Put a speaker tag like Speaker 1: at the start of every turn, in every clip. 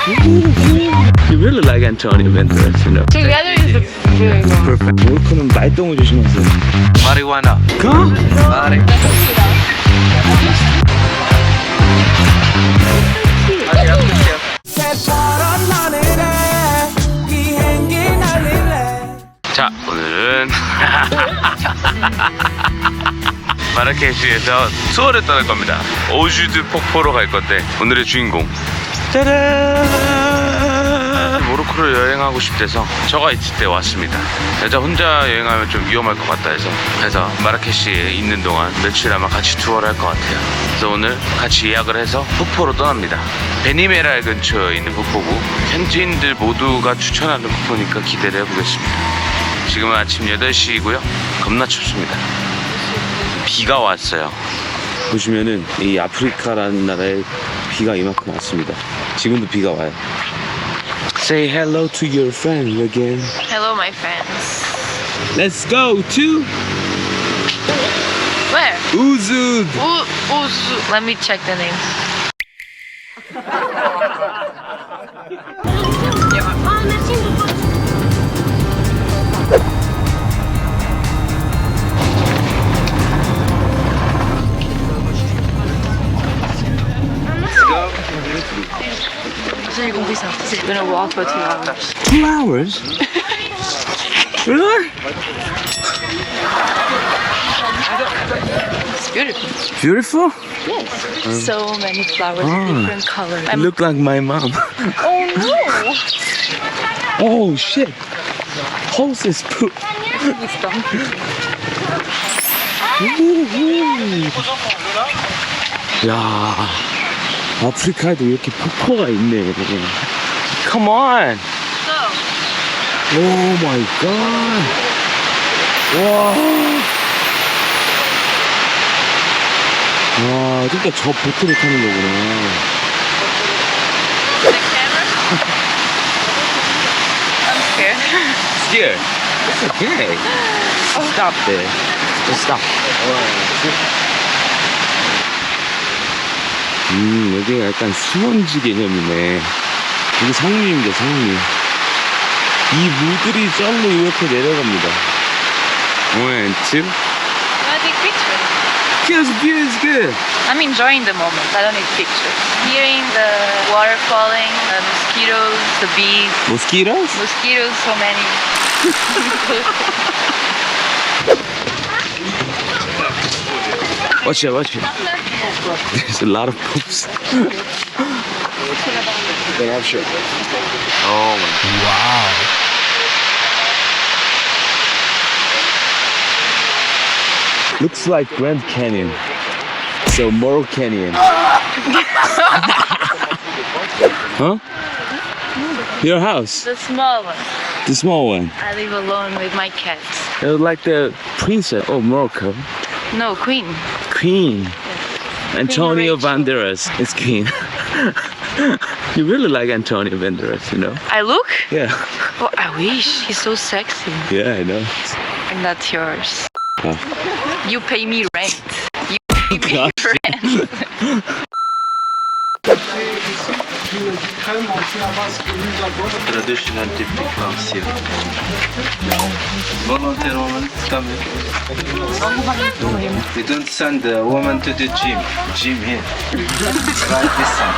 Speaker 1: You really like Antonio Banderas, you know.
Speaker 2: Together is really good.
Speaker 1: Perfect. 모로코는 말똥을 조심하세요.
Speaker 3: Marijuana.
Speaker 1: 가?
Speaker 3: Mari. 자, 오늘은 마라케시에서 투어를 떠날 겁니다. 오주드 폭포로 갈 건데 오늘의 주인공 짜란! 모로코를 여행하고 싶대서 저가 있을 때 왔습니다. 여자 혼자 여행하면 좀 위험할 것 같다 해서 마라케시에 있는 동안 며칠 아마 같이 투어를 할 것 같아요. 그래서 오늘 같이 예약을 해서 폭포로 떠납니다. 베니메랄 근처에 있는 폭포고 현지인들 모두가 추천하는 폭포니까 기대를 해보겠습니다. 지금은 아침 8시이고요 겁나 춥습니다. 비가 왔어요. 보시면은 이 아프리카라는 나라에 비가 이만큼 왔습니다. 지금도 비가 와요. Say hello to your friend again.
Speaker 2: Hello, my friends.
Speaker 1: Let's go to
Speaker 2: Where?
Speaker 1: Uzud.
Speaker 2: Uzu. Let me check the name. J'ai compris ça. We're gonna walk for 2 hours.
Speaker 1: 2 hours? Really?
Speaker 2: It's beautiful.
Speaker 1: Beautiful?
Speaker 2: Yes. So many flowers in different colors.
Speaker 1: You look like my mom.
Speaker 2: Oh no!
Speaker 1: Oh shit. Horses poop. 야, 아프리카에도 이렇게 폭포가 있네. Come on. Oh my god. 와. 와, 그러니까 저 보트를 타는 거구나.
Speaker 2: The camera? I'm scared.
Speaker 1: Scared? It's okay. Stop there. Just stop. 여기가 약간 수원지 개념이네. 여기 상류입니다, 상류. 이 물들이 썰로 이렇게 내려갑니다. 1, 2.
Speaker 2: I take pictures.
Speaker 1: Yes, view is good.
Speaker 2: I'm enjoying the moment. I don't need pictures. Hearing the water falling, the mosquitoes, the bees.
Speaker 1: Mosquitoes?
Speaker 2: Mosquitoes, so many.
Speaker 1: Watch it, watch it. There's a lot of poops. Oh my god. Wow. Looks like Grand Canyon. So Moro Canyon. Huh? Your house?
Speaker 2: The small one.
Speaker 1: The small one.
Speaker 2: I live alone with my cats.
Speaker 1: It was like the princess of Morocco.
Speaker 2: No, queen.
Speaker 1: Queen. Antonio
Speaker 2: Rachel.
Speaker 1: Banderas is king. You really like Antonio Banderas, you know?
Speaker 2: I look?
Speaker 1: Yeah.
Speaker 2: Oh, I wish. He's so sexy.
Speaker 1: Yeah, I know.
Speaker 2: And that's yours.
Speaker 1: Oh.
Speaker 2: You pay me rent. You pay me rent.
Speaker 3: Traditional technique house here. Volunteer woman coming. We don't send the woman to the gym. Gym here. Right this side.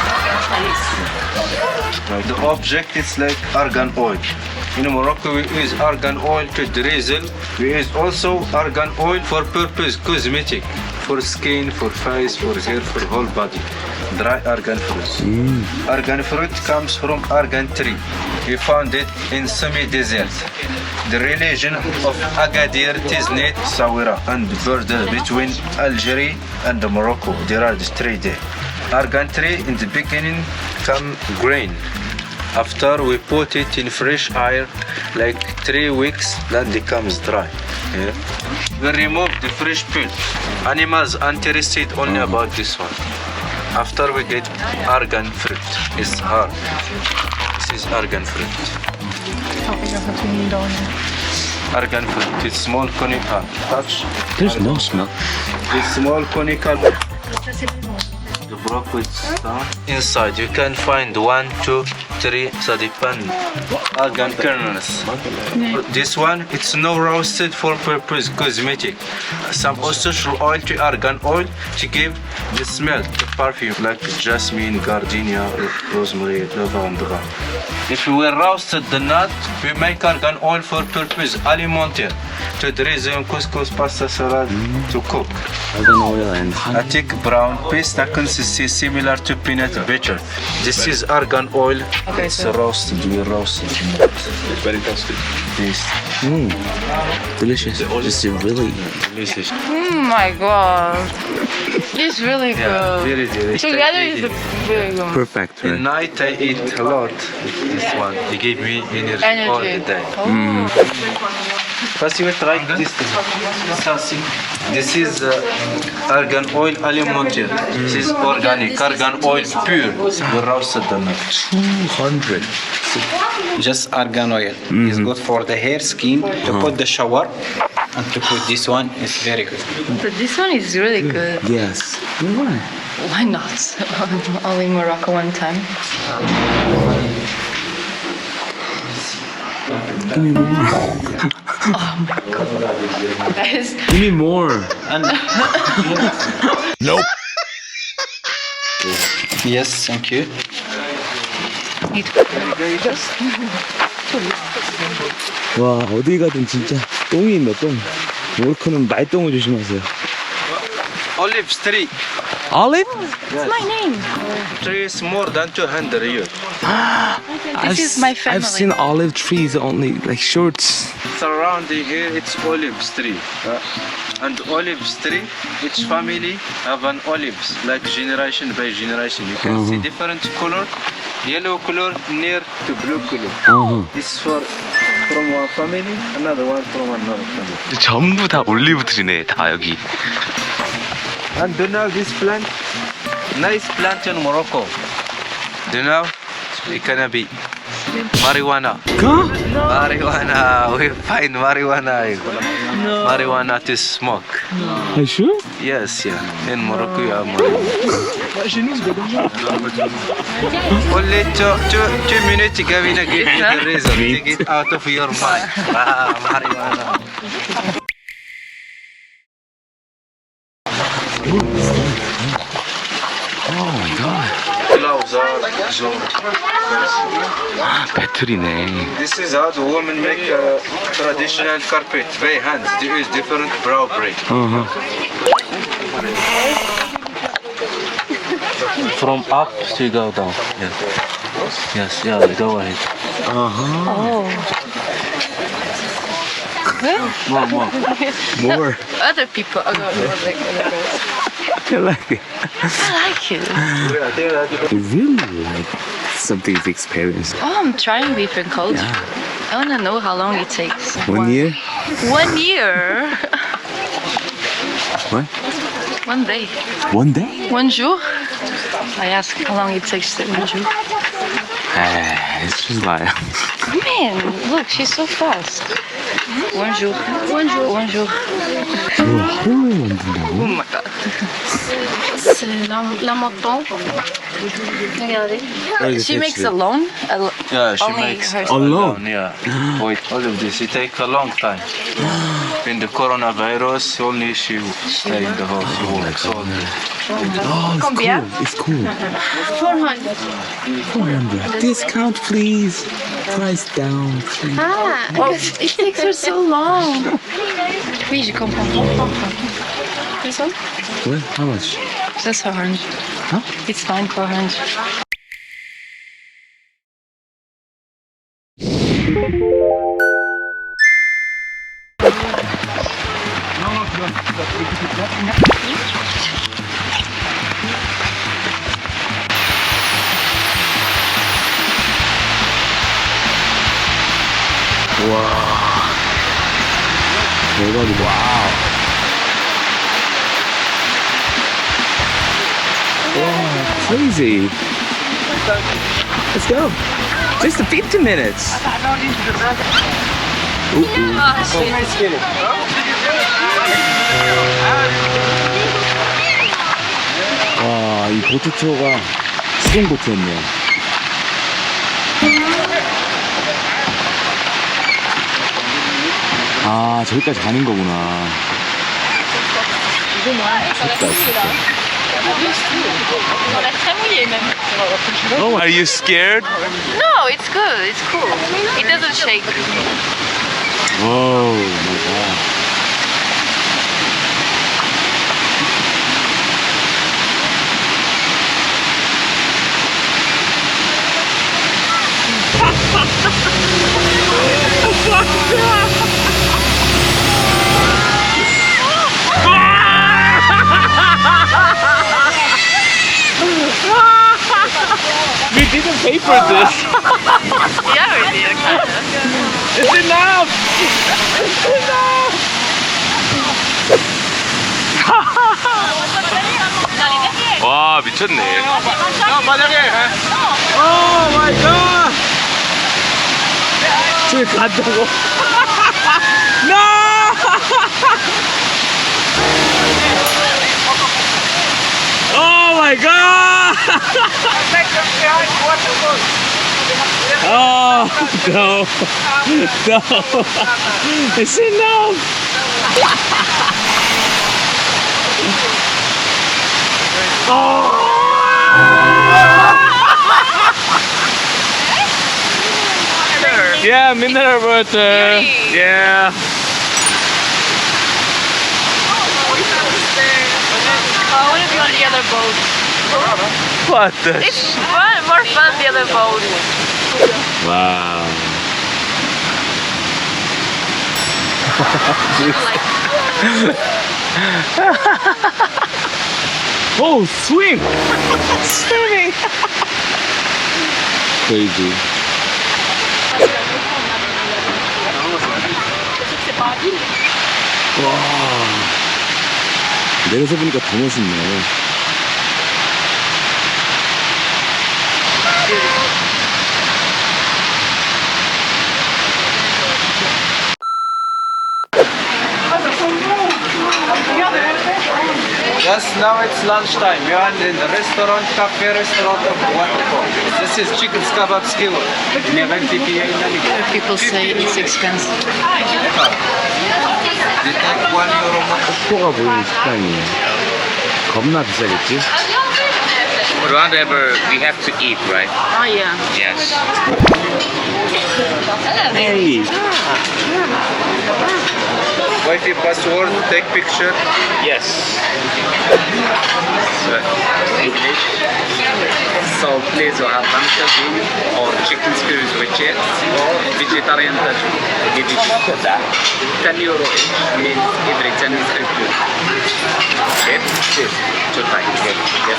Speaker 3: Right. The object is like argan oil. In Morocco we use argan oil to drizzle. We use also argan oil for purpose cosmetic. For skin, for face, for hair, for whole body. Dry argan fruit. Argan fruit comes from argan tree. We found it in semi-desert. The religion of Agadir, Tiznit, Sawira, and border between Algeria and Morocco. There are the 3 there. Argan tree in the beginning come green. After we put it in fresh air, like 3 weeks, then becomes dry. Yeah. We remove the fresh peel. Animals interested only about this one. After we get argan fruit, it's hard. This is argan fruit. Argan fruit, it's small conical. Touch.
Speaker 1: There's no smell.
Speaker 3: It's small conical. The broke with stone. Inside you can find 1, 2, 3 sadipan argan kernels. This one, it's no roasted for purpose cosmetic. Some essential oil to argan oil to give the smell, the perfume like jasmine, gardenia, rosemary, lavender. If we roasted the nut, we make argan oil for purpose alimentaire to drizzle couscous, pasta salad to cook.
Speaker 1: Argan oil and
Speaker 3: A thick brown paste that consists similar to peanut butter. This is argan oil.
Speaker 2: Okay,
Speaker 3: It's
Speaker 2: so-
Speaker 3: roasted. We roasted.
Speaker 4: It's very toasted.
Speaker 3: Taste.
Speaker 1: delicious. Just really
Speaker 3: Delicious.
Speaker 2: Oh my god. It's really
Speaker 3: Yeah,
Speaker 2: good.
Speaker 3: very delicious.
Speaker 2: Together is very good.
Speaker 1: perfect,
Speaker 3: At
Speaker 1: right?
Speaker 3: night I eat a lot. This one. It gave me energy all the day.
Speaker 2: Oh.
Speaker 3: First you try this. This is argan oil alimentaire. This is organic argan oil pure. We roasted the nut.
Speaker 1: 200.
Speaker 5: Just argan oil is good for the hair, skin, to put the shower, and to put this one is very good.
Speaker 2: But this one is really good.
Speaker 1: Yes. Why?
Speaker 2: Why not? Only Morocco one time.
Speaker 1: Give me more.
Speaker 2: Guys,
Speaker 1: Give me more.
Speaker 5: Yes, thank you.
Speaker 1: 와, 어디 가든 진짜 똥이 있네, 똥. 모로코는 말똥을 조심하세요.
Speaker 3: Olives tree.
Speaker 1: Olive?
Speaker 2: it's my name.
Speaker 3: Tree is more than 200 years.
Speaker 2: This is my family.
Speaker 1: I've seen olive trees only, like shorts.
Speaker 3: Surrounding here, it's olives tree. And olives tree, each family have an olives, like generation by generation. You can see different color, yellow color near to blue color. This for from one family, another one from another family.
Speaker 1: 전부 다 올리브 트리네, 다 여기.
Speaker 3: And do you know this plant? Nice plant in Morocco. Do you know? It can be marijuana.
Speaker 1: 가?
Speaker 3: Marijuana. We find marijuana. Marijuana to smoke.
Speaker 1: Are you sure?
Speaker 3: Yes, yeah. In Morocco, you have marijuana. Only two minutes, Gavina, give you the reason to get out of your mind. Marijuana.
Speaker 1: Oh my god.
Speaker 3: Gloves are
Speaker 1: 배틀이네.
Speaker 3: This is how the women make a traditional carpet by hands. There is different brow braid. From up to go down. Yes. Yes, yeah, go ahead.
Speaker 2: Oh.
Speaker 1: More.
Speaker 2: Other people. Oh, no, like other girls.
Speaker 1: I like it.
Speaker 2: I like it.
Speaker 1: I really like something to experience.
Speaker 2: Oh, I'm trying different culture. I want to know how long it takes.
Speaker 1: 1 year?
Speaker 2: 1 year?
Speaker 1: What?
Speaker 2: 1 day.
Speaker 1: 1 day?
Speaker 2: 1 jour? I ask how long it takes to 1 jour.
Speaker 1: It's just like
Speaker 2: Man, look, she's so fast. 1 jour. 1 jour. 1 jour.
Speaker 1: 하루에 만든다고?
Speaker 2: Oh my god. C'est la moto. Regardez. She makes alone.
Speaker 3: Yeah, she
Speaker 2: Only
Speaker 3: makes
Speaker 2: her-
Speaker 1: Alone?
Speaker 3: Yeah. Wait, all of this, it takes a long time. In the coronavirus, only she stay in the house. She works all day.
Speaker 1: Oh, it's
Speaker 2: Combien?
Speaker 1: cool. It's cool.
Speaker 2: 400.
Speaker 1: 400. Discount, please. Price down, please.
Speaker 2: Ah, because it takes her so long. Oui, je comprends. This one?
Speaker 1: What? How much?
Speaker 2: That's 400.
Speaker 1: Huh?
Speaker 2: It's fine, 400.
Speaker 1: 대박이다. 와우. Wow, crazy. Let's go. Just 50 minutes. 와, 이 보트 투어가 수동 보트였네요. 아, 저기까지 가는 거구나. Oh, are you scared?
Speaker 2: No, it's good. It's cool. It doesn't shake.
Speaker 1: Whoa, my God. We didn't pay for this.
Speaker 2: Yeah, we did. Kind of.
Speaker 1: It's enough. It's enough. 와, 미쳤네. 오 마이 갓. 저기 간다고? No! Oh my god! Oh no! No! It's enough! Yeah, mineral water.
Speaker 2: Really?
Speaker 1: Yeah.
Speaker 2: I want to be on the other boat.
Speaker 1: What the?
Speaker 2: It's fun, more fun the other boat.
Speaker 1: Wow. Oh, swim! Swimming! Crazy. 와. 내려서 보니까 더 멋있네.
Speaker 5: Yes, now it's lunchtime. You are in the restaurant, cafe restaurant of Waterfall. This is chicken kebab skewer.
Speaker 2: People say it's expensive.
Speaker 5: They take €1 more.
Speaker 1: 폭포가 보이는 식당이에요. 겁나 비싸겠지?
Speaker 6: Whatever we have to eat, right?
Speaker 2: Oh yeah.
Speaker 6: Yes.
Speaker 1: Hey!
Speaker 3: Wi-Fi password, take picture.
Speaker 6: Yes. English. So please you have banana or chicken skewers with chips or vegetarian tattoo. Give it €10 each means every 10 is included. Chip? Yes. Two times. Yes.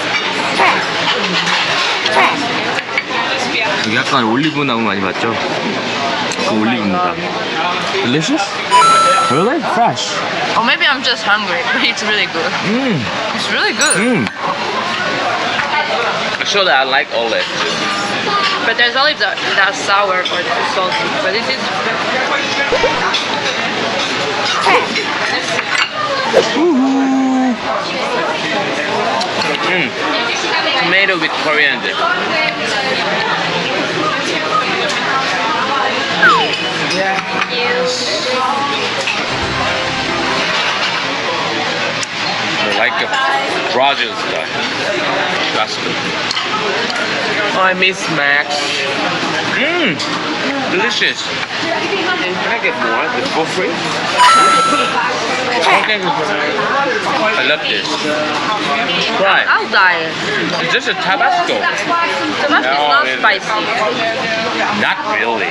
Speaker 1: 여기 약간 올리브 나무 많이 봤죠? 그 올리브입니다. Delicious? Really? Fresh.
Speaker 2: Or maybe I'm just hungry, but it's really good. It's really good.
Speaker 6: Actually, I like all that.
Speaker 2: But there's olives that are sour or too salty. But this is
Speaker 6: Tomato with coriander. Like a Rogers guy. That's good. I miss Max. Delicious. Can I get more? The for free? Okay. I love this. Try.
Speaker 2: I'll die.
Speaker 6: It's just a Tabasco.
Speaker 2: Tabasco is
Speaker 6: No,
Speaker 2: not
Speaker 6: it-
Speaker 2: spicy.
Speaker 6: Not really.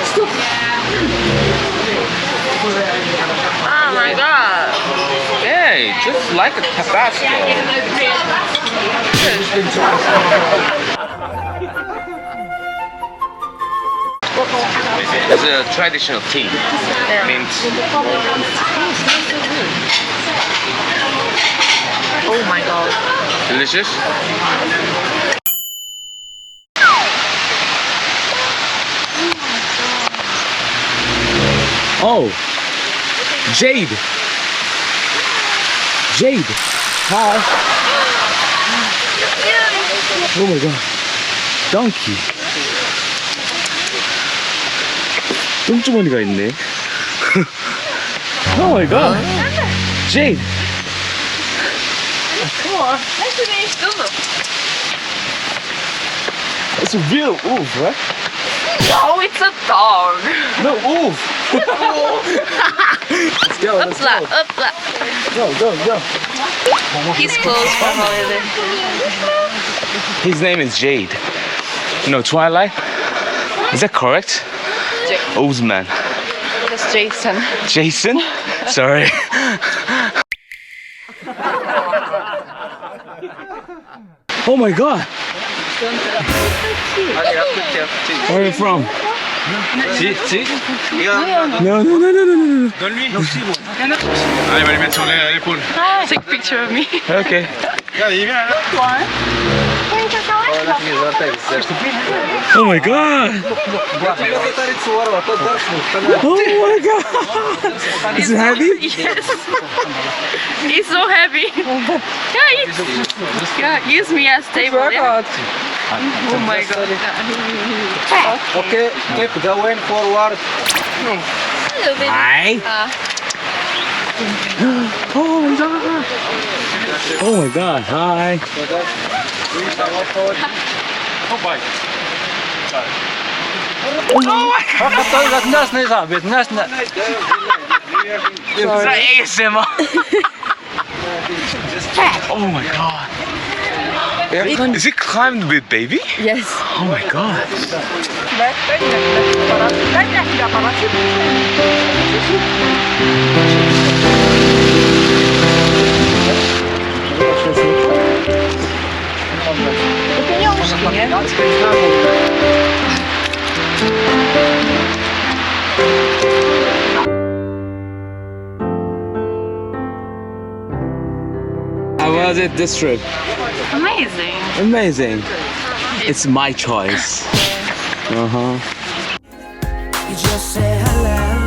Speaker 2: Oh my god.
Speaker 6: Hey, just like a Tabasco. It's a traditional tea. Means
Speaker 2: Oh my god.
Speaker 6: delicious.
Speaker 1: Oh! Jade! Jade! Hi! Oh my god. Donkey. 똥주머니가 있네. Oh my god. Jade. It's a real wolf, right?
Speaker 2: Oh, it's a dog.
Speaker 1: No, wolf. Let's go. Let's
Speaker 2: Upla,
Speaker 1: go.
Speaker 2: upla.
Speaker 1: Go.
Speaker 2: He's closed for holiday.
Speaker 1: His name is Jade. No, Twilight. Is that correct? Osman.
Speaker 2: That's Jason.
Speaker 1: Jason? Sorry. Oh my god. Where are you from? No.
Speaker 2: Take a picture of me.
Speaker 1: Okay. Oh my god. Oh my god. Is it heavy?
Speaker 2: Yes. He's so heavy. Yeah, use me as table. Yeah. Oh my god.
Speaker 5: Okay, keep going forward.
Speaker 2: Hello, baby.
Speaker 1: Hi. Oh my god. Oh my god. Hi. ASMR. Oh my god. Is it climbed with baby?
Speaker 2: Yes.
Speaker 1: Oh my god. How was it this trip?
Speaker 2: Amazing.
Speaker 1: Amazing. It's my choice. Uh-huh.
Speaker 7: You just say hello.